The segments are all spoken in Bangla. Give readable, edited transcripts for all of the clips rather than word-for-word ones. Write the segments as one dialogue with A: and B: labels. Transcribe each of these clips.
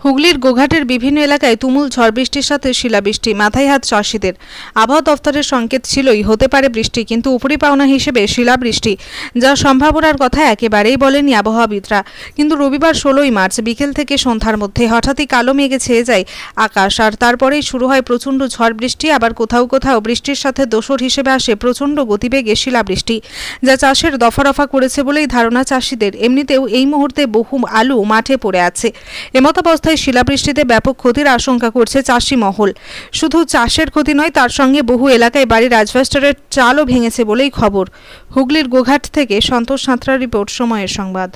A: হুগলির গোঘাটের বিভিন্ন এলাকায় তুমুল ঝড় বৃষ্টির সাথে শিলাবৃষ্টি, মাথায় হাত চাষিদের। আবহাওয়া দফতরের সংকেত ছিলই হতে পারে বৃষ্টি, কিন্তু উপরি পাওনা হিসেবে শিলাবৃষ্টি যা সম্ভাবনার কথা একেবারেই বলেনি আবহাওয়াবিদরা। কিন্তু রবিবার 16ই মার্চ বিকেল থেকে সন্ধ্যার মধ্যে হঠাৎই কালো মেঘে ছেয়ে যায় আকাশ, আর তারপরেই শুরু হয় প্রচণ্ড ঝড় বৃষ্টি। আবার কোথাও কোথাও বৃষ্টির সাথে দোসর হিসেবে আসে প্রচণ্ড গতিবেগে শিলাবৃষ্টি, যা চাষের দফা রফা করেছে বলেই ধারণা চাষিদের। এমনিতেও এই মুহূর্তে বহু আলু মাঠে পড়ে আছে। এমতাবস্থায় শিলাবৃষ্টিতে ব্যাপক ক্ষতির আশঙ্কা করছে চাষি মহল। শুধু চাষের ক্ষতি নয়, তার সঙ্গে বহু এলাকায় বাড়ির অ্যাসবেস্টরের চালও ভেঙেছে বলেই খবর। হুগলির গোঘাট থেকে সন্তোষ সাঁতরার রিপোর্ট, সময়ের সংবাদ।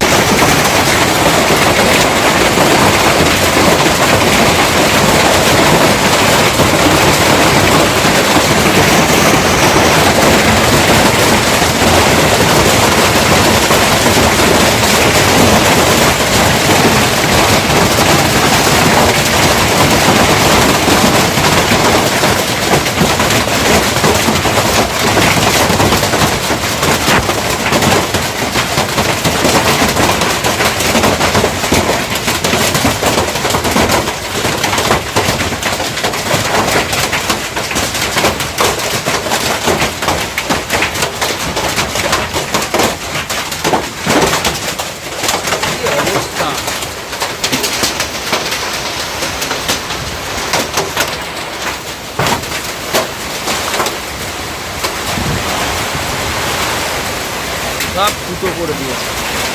B: সব ফুটো করে দিয়েছে।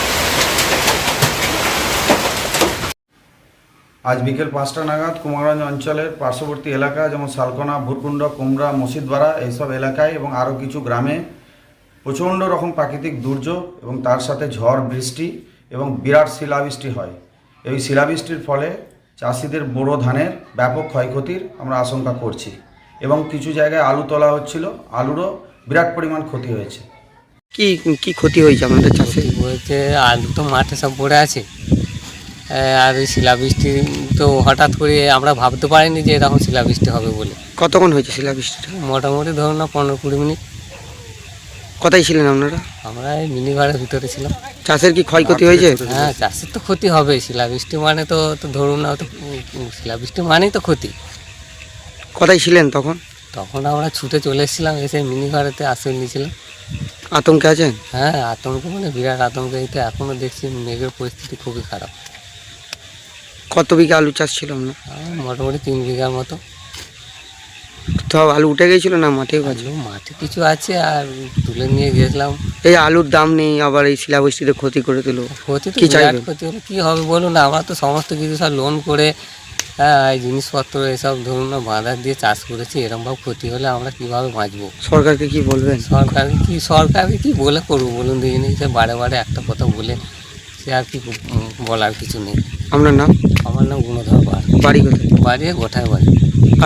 C: আজ বিকেল 5টা নাগাদ কুমারগঞ্জ অঞ্চলের পার্শ্ববর্তী এলাকা যেমন শালকোনা, ভুরকুণ্ড, কুমড়া, মসজিদপাড়া এইসব এলাকায় এবং আরও কিছু গ্রামে প্রচণ্ড রকম প্রাকৃতিক দুর্যোগ এবং তার সাথে ঝড় বৃষ্টি এবং বিরাট শিলাবৃষ্টি হয়। এই শিলাবৃষ্টির ফলে চাষিদের বোরো ধানের ব্যাপক ক্ষয়ক্ষতির আমরা আশঙ্কা করছি এবং কিছু জায়গায় আলু তোলা হচ্ছিল, আলুরও বিরাট পরিমাণ ক্ষতি হয়েছে।
D: কি ক্ষতি হয়েছে আমাদের চাষে?
E: বলতে আলু তো মাঠে সব পড়ে আছে, আর শিলাবৃষ্টি তো হঠাৎ করে আমরা ভাবতে পারিনি যে এরকম শিলাবৃষ্টি হবে বলে।
D: কতক্ষণ হয়েছে শিলাবৃষ্টিটা?
E: মোটামুটি ধরুন না 15-20 মিনিট।
D: কোথায় ছিলেন আপনারা?
E: আমরা এই মিনি ঘরের ভিতরে ছিলাম।
D: চাষের কি ক্ষয়ক্ষতি হয়েছে?
E: হ্যাঁ, চাষের তো ক্ষতি হবে। শিলাবৃষ্টি মানে তো ধরুন না, তো শিলাবৃষ্টি মানেই তো ক্ষতি।
D: কোথায় ছিলেন তখন?
E: তখন আমরা ছুটে চলে এসেছিলাম, এসে মিনি ঘরেতে আশ্রয় নিয়েছিলাম।
D: আতঙ্কে আছেন?
E: হ্যাঁ, আতঙ্ক মানে বিরাট আতঙ্ক। এই তো এখনও দেখছি মেঘের পরিস্থিতি খুবই খারাপ।
D: কত বিঘা আলু চাষ ছিল আপনার?
E: মোটামুটি 3 বিঘার মতো।
D: সব আলু উঠে গিয়েছিল না মাঠেও আছে?
E: মাঠে কিছু আছে, আর তুলে নিয়ে গেছিলাম।
D: এই আলুর দাম নেই, আবার এই শিলাবৃষ্টিতে ক্ষতি করে দিল।
E: ক্ষতি তো
D: কি
E: বিরাট
D: চাইবেন?
E: ক্ষতি হলে কী হবে বলুন? আমরা তো সমস্ত কিছু সব লোন করে, এই জিনিসপত্র এসব ধরুন না বাঁধা দিয়ে চাষ করেছি। এরকমভাবে ক্ষতি হলে আমরা কীভাবে বাঁচবো?
D: সরকারকে কি বলবেন?
E: সরকারকে কি বলে করবো বলুন দেখিনি? সে বারে বারে একটা কথা বলে সে আর কি বলার কিছু নেই।
D: আপনার নাম?
E: আমার নাম গুণধর পাল।
D: বাড়ি কোথায়?
E: বাড়ি গোঠায় বাড়ি।